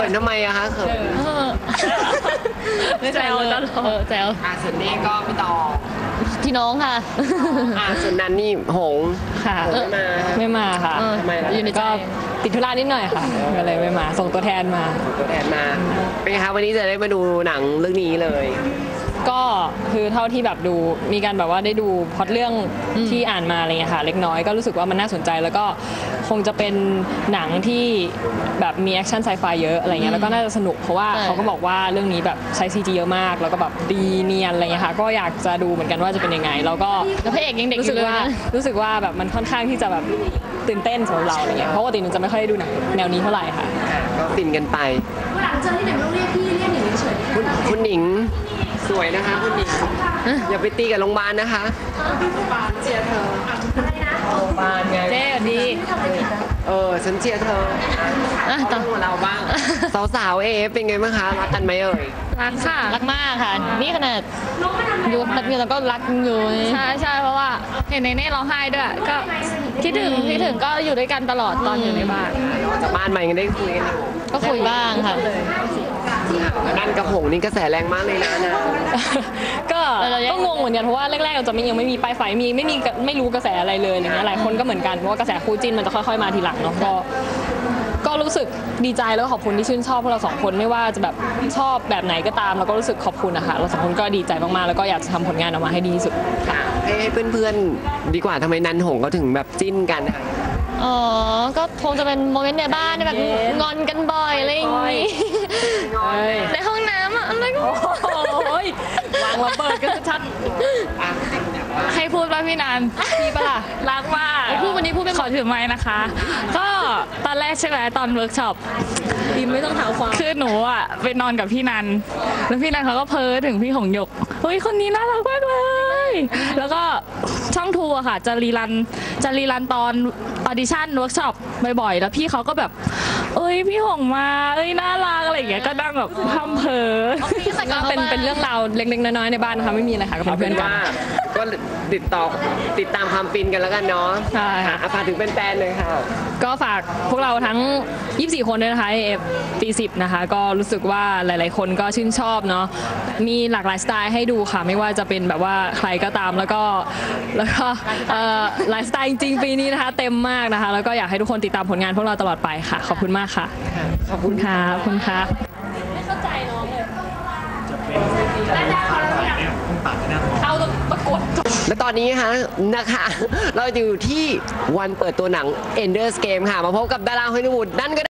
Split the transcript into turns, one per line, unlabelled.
ทำไมอะคะเขิน
ไม่แซวแซว
ส่วนนี้ก็พี่ต่อ
พี่น้องค่ะ
ส่วนนั้นนี่หง
ค่ะไม่มาค่ะ
ทำไมล่ะ
ก็ติดธุระนิดหน่อยค่ะก็เลยไม่มาส่งตัวแทนมา
เป็นไงคะวันนี้จะได้มาดูหนังเรื่องนี้เลย
ก็คือเท่าที่แบบดูมีการแบบว่าได้ดูพล็อตเรื่องที่อ่านมาอะไรเงี้ยค่ะเล็กน้อยก็รู้สึกว่ามันน่าสนใจแล้วก็คงจะเป็นหนังที่แบบมีแอคชั่นไซไฟเยอะอะไรเงี้ยแล้วก็น่าจะสนุกเพราะว่าเขาก็บอกว่าเรื่องนี้แบบใช้ CG เยอะมากแล้วก็แบบดีเนียนอะไรเงี้ยค่ะก็อยากจะดูเหมือนกันว่าจะเป็นยังไงแล้วก็
พระเอกยังเด็กอยู่เลยนะ
รู้สึกว่าแบบมันค่อนข้างที่จะแบบตื่นเต้นสำหรับเราอะไรเงี้ยเพราะว่าปกติมันจะไม่ค่อยได้ดูหนังแนวนี้เท่าไหร่ค่ะ
ก็ฟินกันไป
หลังเจอที่ไหนต้องเรียกพี่เรียกหนิงเฉย
คุณหนิงสวยนะคะคุณหนิงอย่าไปตีกับโรงพยาบาลนะคะโรงพยาบาลเชียร์เธออะไรนะโรงพยาบาลไง
เจ๊ดี
ฉันเชียร์เธอต้องมาเราบ้างสาวๆเป็นไงบ้างคะรักกันไหม
รักค่ะ
รักมากค่ะนี่ขนาดอยู่แบบนี้เราก็รักอยู่
ใช่เพราะว่าเห็นในเน่ร้องไห้ด้วยก็คิดถึงก็อยู่ด้วยกันตลอดตอนอยู่ในบ้าน
จากบ้านใหม่กันได้คุยกัน
ก็คุยบ้างค่ะ
นั่นกระผงนี่กระแสแรงมากเลยนะ
ก็งงเหมือนกันเพราะว่าแรกๆเราจะยังไม่มีป้ายไฟไม่รู้กระแสอะไรเลยอย่างเงี้ยหลายคนก็เหมือนกันเพราะว่ากระแสคู่จิ้นมันจะค่อยๆมาทีหลังเนาะก็รู้สึกดีใจแล้วก็ขอบคุณที่ชื่นชอบพวกเราสองคนไม่ว่าจะแบบชอบแบบไหนก็ตามเราก็รู้สึกขอบคุณนะคะเราสองคนก็ดีใจมากๆแล้วก็อยากจะทำผลงานออกมาให้ดีที่สุด
ให้เพื่อนๆดีกว่าทำไมนันหงเขาถึงแบบจิ้นกันค่ะ
ก็คงจะเป็นโมเมนต์ในบ้านแบบงอนกันบ่อยอะไรอย่างงี้ในห้องน้ำอะไรก็
วางระเบิดกันชัด
ให้พูดว่าพี่นัน
พี่ปะล่ะ
รักมากพูดวันนี้พูดไม่ขอถือไม้นะคะก็ตอนแรกใช่ไหมตอนเวิร์กช็อป
ไม่ต้องถามความ
คือหนูอ่ะไปนอนกับพี่นันแล้วพี่นันเขาก็เพ้อถึงพี่หงหยกเฮ้ยคนนี้น่ารักมากเลยแล้วก็ช่องทูอะค่ะจะรีรันตอนออดิชั่นเวิร์กช็อปบ่อยๆแล้วพี่เขาก็แบบพี่หงมาน่ารักอะไรอย่างเงี้ยก็นั่งแบบทำเพ้อ
เป็นเรื่องราวเล็กๆน้อยๆในบ้านนะคะไม่มีอะไรค่ะก็เป็นเพื่อนกัน
ก็ติดตามความฟินกันแล้วกันเนาะ
ใช่ค่ะ
ฝากถึงแฟนๆเลยค่ะ
ก็ฝากพวกเราทั้ง24คนด้วยนะคะปี10นะคะก็รู้สึกว่าหลายๆคนก็ชื่นชอบเนาะมีหลากหลายสไตล์ให้ดูค่ะไม่ว่าจะเป็นแบบว่าใครก็ตามแล้วก็หลายสไตล์จริงๆปีนี้นะคะเต็มมากนะคะแล้วก็อยากให้ทุกคนติดตามผลงานพวกเราตลอดไปค่ะขอบคุณมากค่ะ
ขอบคุณค่ะ
ไม่เข้าใจน้องเลยเอาประกวด
และตอนนี้นะคะเราอยู่ที่วันเปิดตัวหนัง Ender's Game ค่ะมาพบกับดาราฮอลลีวูดนั่นก็